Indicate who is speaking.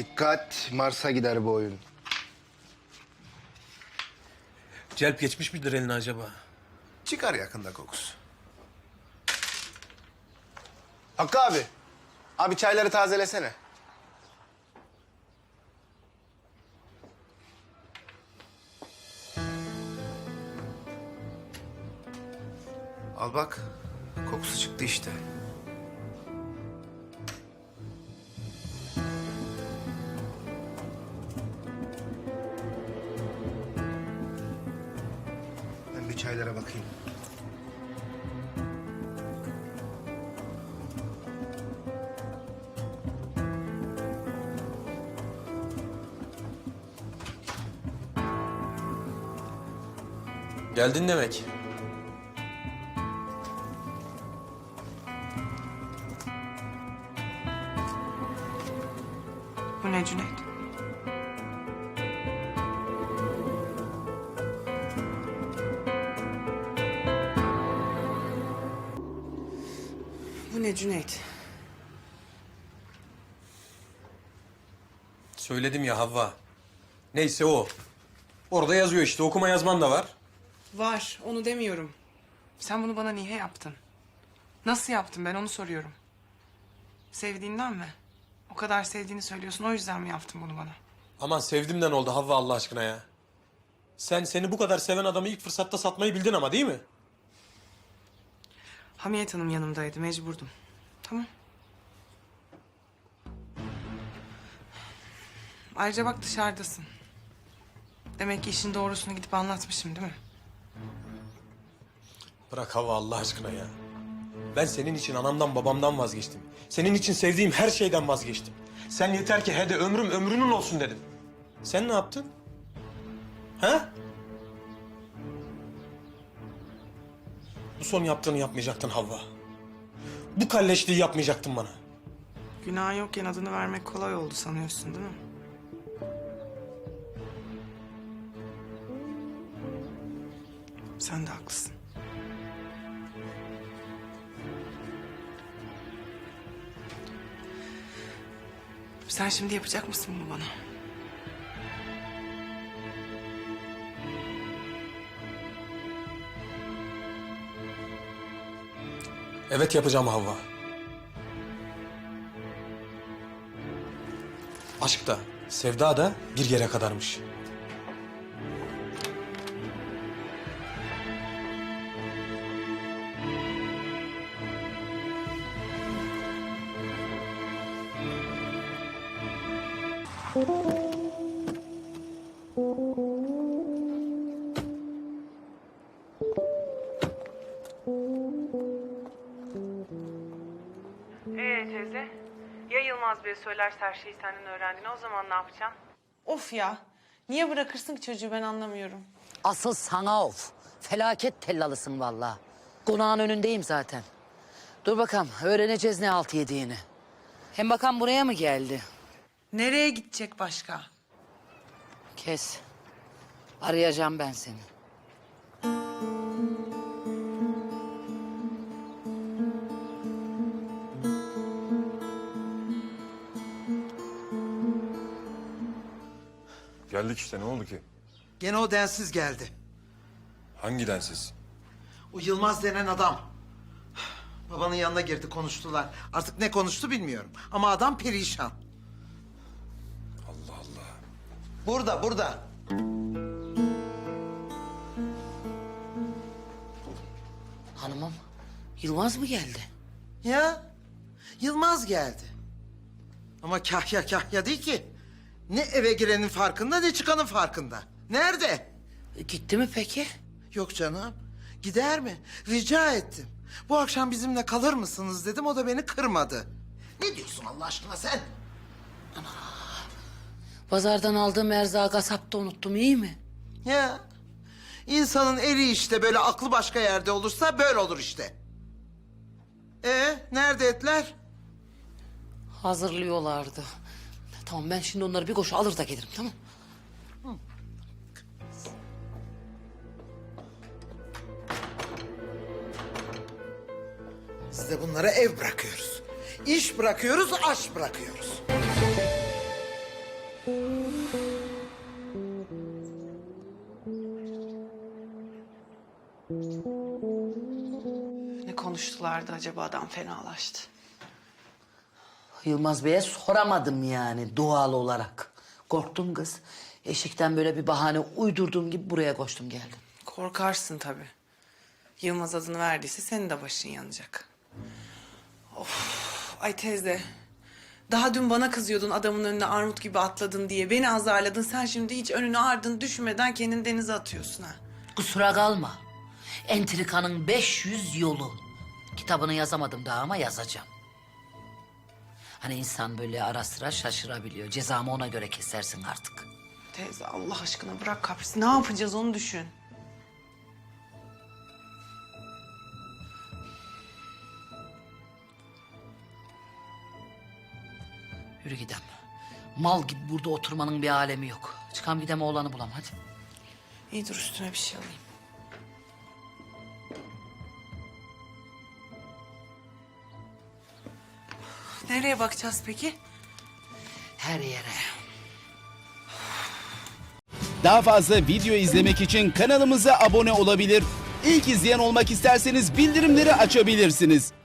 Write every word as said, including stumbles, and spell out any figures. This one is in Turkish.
Speaker 1: Dikkat, Mars'a gider bu oyun.
Speaker 2: Celp geçmiş midir eline acaba?
Speaker 1: Çıkar yakında kokusu. Hakkı abi, abi çayları tazelesene. Al bak, kokusu çıktı işte. Ben bir çaylara bakayım.
Speaker 2: Geldin demek.
Speaker 3: Bu ne Cüneyt? Bu ne Cüneyt?
Speaker 2: Söyledim ya Havva. Neyse o. Orada yazıyor işte. Okuma yazman da var.
Speaker 3: Var, onu demiyorum. Sen bunu bana niye yaptın? Nasıl yaptın, ben onu soruyorum. Sevdiğinden mi? O kadar sevdiğini söylüyorsun, o yüzden mi yaptın bunu bana?
Speaker 2: Aman sevdimden oldu Havva Allah aşkına ya. Sen seni bu kadar seven adamı ilk fırsatta satmayı bildin ama değil mi?
Speaker 3: Hamiyet Hanım yanımdaydı, mecburdum. Tamam. Ayrıca bak dışarıdasın. Demek ki işin doğrusunu gidip anlatmışım değil mi?
Speaker 2: Bırak Havva Allah aşkına ya. Ben senin için anamdan babamdan vazgeçtim. Senin için sevdiğim her şeyden vazgeçtim. Sen yeter ki hede ömrüm ömrünün olsun dedim. Sen ne yaptın? Ha? Bu son yaptığını yapmayacaktın Havva. Bu kalleşliği yapmayacaktın bana.
Speaker 3: Günah yokken adını vermek kolay oldu sanıyorsun değil mi? Sen de haklısın. Sen şimdi yapacak mısın bunu bana?
Speaker 2: Evet yapacağım Havva. Aşk da, sevda da bir yere kadarmış.
Speaker 3: Ee teyze, ya Yılmaz Bey söylerse her şeyi senden öğrendiğini, o zaman ne yapacaksın? Of ya, niye bırakırsın ki çocuğu, ben anlamıyorum.
Speaker 4: Asıl sana of. Felaket tellalısın vallahi. Konağın önündeyim zaten. Dur bakalım öğreneceğiz ne alt yediğini. Hem bakan buraya mı geldi?
Speaker 3: Nereye gidecek başka?
Speaker 4: Kes. Arayacağım ben seni.
Speaker 5: Geldik işte, ne oldu ki?
Speaker 6: Gene o densiz geldi.
Speaker 5: Hangi densiz?
Speaker 6: O Yılmaz denen adam. Babanın yanına girdi, konuştular. Artık ne konuştu bilmiyorum. Ama adam perişan.
Speaker 5: Allah Allah.
Speaker 6: Burada, burada.
Speaker 4: Hanımım, Yılmaz mı geldi?
Speaker 6: Ya, Yılmaz geldi. Ama kahya kahya değil ki. Ne eve girenin farkında ne çıkanın farkında. Nerede?
Speaker 4: E, gitti mi peki?
Speaker 6: Yok canım. Gider mi? Rica ettim. Bu akşam bizimle kalır mısınız dedim, o da beni kırmadı. Ne diyorsun Allah aşkına sen?
Speaker 4: Pazardan aldığım erzağı kasapta unuttum, iyi mi?
Speaker 6: Ya, insanın eli işte böyle aklı başka yerde olursa böyle olur işte. Ee, nerede etler?
Speaker 4: Hazırlıyorlardı. Tamam ben şimdi onları bir koşu alır da gelirim, tamam?
Speaker 6: Biz de bunlara ev bırakıyoruz. İş bırakıyoruz, aş bırakıyoruz.
Speaker 3: Ne konuştulardı acaba, adam fenalaştı.
Speaker 4: Yılmaz Bey'e soramadım yani doğal olarak. Korktum kız. Eşikten böyle bir bahane uydurduğum gibi buraya koştum geldim.
Speaker 3: Korkarsın tabii. Yılmaz adını verdiyse senin de başın yanacak. Of, ay teyze. Daha dün bana kızıyordun adamın önüne armut gibi atladın diye. Beni azarladın. Sen şimdi hiç önünü ardını düşünmeden kendini denize atıyorsun ha.
Speaker 4: Kusura kalma. Entrikanın beş yüz yolu. Kitabını yazamadım daha ama yazacağım. Hani insan böyle ara sıra şaşırabiliyor. Cezamı ona göre kesersin artık.
Speaker 3: Teyze Allah aşkına bırak kaprisi. Ne yapacağız onu düşün.
Speaker 4: Yürü gidem. Mal gibi burada oturmanın bir alemi yok. Çıkam gidem oğlanı bulam hadi.
Speaker 3: İyi dur üstüne bir şey alayım. Nereye bakacağız peki?
Speaker 4: Her yere.
Speaker 7: Daha fazla video izlemek için kanalımıza abone olabilir. İlk izleyen olmak isterseniz bildirimleri açabilirsiniz.